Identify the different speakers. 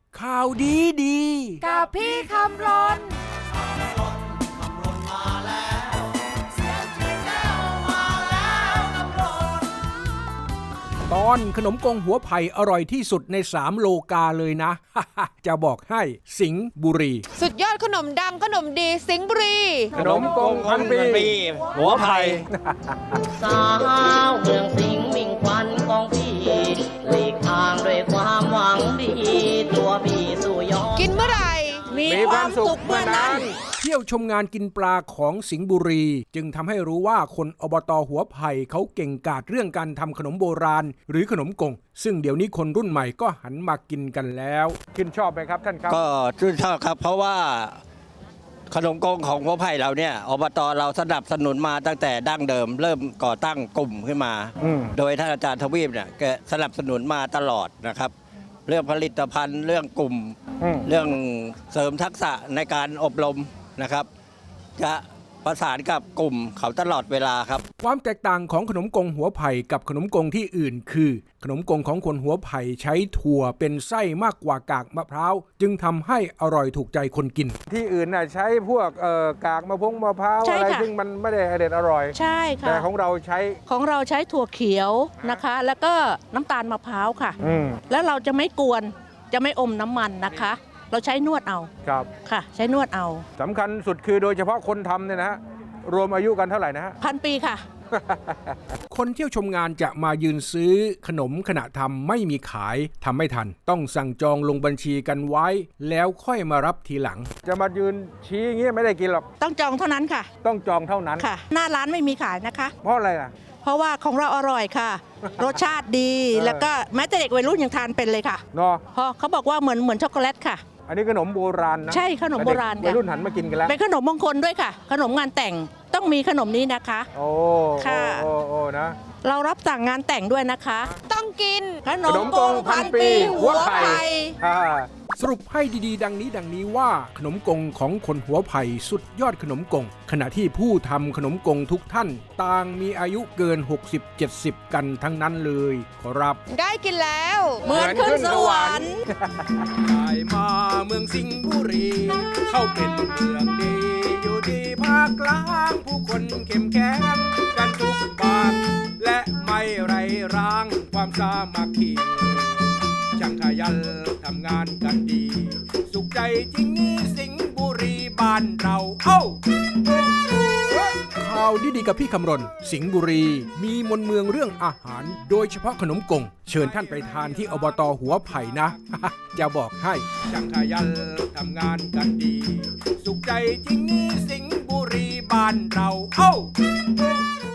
Speaker 1: ข่าวดีดี
Speaker 2: กับพี่คำรน
Speaker 1: ตอนขนมกงหัวไผ่อร่อยที่สุดใน3โลกาเลยนะ จะบอกให้สิงห์บุรี
Speaker 2: สุดยอดขนมดังขนมดีสิงห์บุรี
Speaker 1: ขนมกงพันปีหัวไผ่
Speaker 3: สาวเมืองสิงห์มิ่งควันของพี่หลีกทางด้วยความหวังดีตัวพี่สู่ยอด
Speaker 2: กินเมื่อไหร่มีความสุขเมื่อนั้น
Speaker 1: เที่ยวชมงานกินปลาของสิงห์บุรีจึงทำให้รู้ว่าคนอบต.หัวไผ่เขาเก่งกาจเรื่องการทำขนมโบราณหรือขนมกงซึ่งเดี๋ยวนี้คนรุ่นใหม่ก็หันมากินกันแล้วกินชอบไหมครับท่านครับ
Speaker 4: ก็ชื่นชอบครับเพราะว่าขนมกงของหัวไผ่เราเนี่ยอบต.เราสนับสนุนมาตั้งแต่ดั้งเดิมเริ่มก่อตั้งกลุ่มขึ้นมาโดยท่านอาจารย์ทวีปเนี่ยแกสนับสนุนมาตลอดนะครับเรื่องผลิตภัณฑ์เรื่องกลุ่มเรื่องเสริมทักษะในการอบรมนะครับจะประสานกับกลุ่มเขาตลอดเวลาครับ
Speaker 1: ความแตกต่างของขนมกงหัวไผ่กับขนมกงที่อื่นคือขนมกงของคนหัวไผ่ใช้ถั่วเป็นไส้มากกว่ากากมะพร้าวจึงทำให้อร่อยถูกใจคนกินที่อื่นน่ะใช้พวกกากมะพร้าวอะไรซึ่งมันไม่ได้อร่อย
Speaker 5: ใช่ค่ะ
Speaker 1: แต่ของเราใช้
Speaker 5: ถั่วเขียวนะคะแล้วก็น้ำตาลมะพร้าวค่ะแล้วเราจะไม่กวนจะไม่อมน้ำมันนะคะเราใช้นวดเอา
Speaker 1: ครับ
Speaker 5: ค่ะใช้นวดเอา
Speaker 1: สำคัญสุดคือโดยเฉพาะคนทำเนี่ยนะฮะรวมอายุกันเท่าไหร่นะฮะ
Speaker 5: 1,000 ปีค่ะ
Speaker 1: คนเที่ยวชมงานจะมายืนซื้อขนมขณะทำไม่มีขายทำไม่ทันต้องสั่งจองลงบัญชีกันไว้แล้วค่อยมารับทีหลังจะมายืนชี้อย่างเงี้ยไม่ได้กินหรอก
Speaker 5: ต้องจองเท่านั้นค่ะ
Speaker 1: ต้องจองเท่านั้น
Speaker 5: ค่ะหน้าร้านไม่มีขายนะคะ
Speaker 1: เพราะอะไรล่ะ
Speaker 5: เพราะว่าของเราอร่อยค่ะ รสชาติดีแล้วก็แม้แต่เด็กวัยรุ่นยังทานเป็นเลยค่ะ
Speaker 1: เนาะ
Speaker 5: เพราะเขาบอกว่าเหมือนช็อกโกแลตค่ะ
Speaker 1: อันนี้ขนมโบราณนะ
Speaker 5: ใช่ขนมโบราณ
Speaker 1: วัยรุ่นหันมากินกันแล้ว
Speaker 5: เป็นขนมมงคลด้วยค่ะขนมงานแต่งต้องมีขนมนี้นะคะ
Speaker 1: โอ้
Speaker 5: ค่ะ
Speaker 1: โอ้นะ
Speaker 5: เรารับสั่งงานแต่งด้วยนะคะ
Speaker 2: ต้องกิน
Speaker 5: ขนมกง1,000 ปีหัวไผ่
Speaker 1: สรุปให้ดีๆดังนี้ว่าขนมกงของคนหัวไผ่สุดยอดขนมกงขณะที่ผู้ทำขนมกงทุกท่านต่างมีอายุเกิน60-70กันทั้งนั้นเลยขอรับ
Speaker 2: ได้กินแล้ว
Speaker 5: เหมือนขึ้นสวรรค์
Speaker 1: ได้มาเมืองสิงห์บุรีเข้าเป็นเมืองดีอยู่ดีภาคกลางผู้คนเข้มแข็งกันทุกปากและไม่ไรร้างความสามัคคีช่างขยันทำงานกันดีสุขใจจริงนี้สิงห์บุรีบ้านเราข่าวดีกับพี่คำรณสิงห์บุรีมีมนเมืองเรื่องอาหารโดยเฉพาะขนมกงเชิญท่านไปทานที่อบต.หัวไผ่นะ จะบอกให้ช่างขยันทำงานกันดีสุขใจจริงนี้สิงห์บุรีบ้านเรา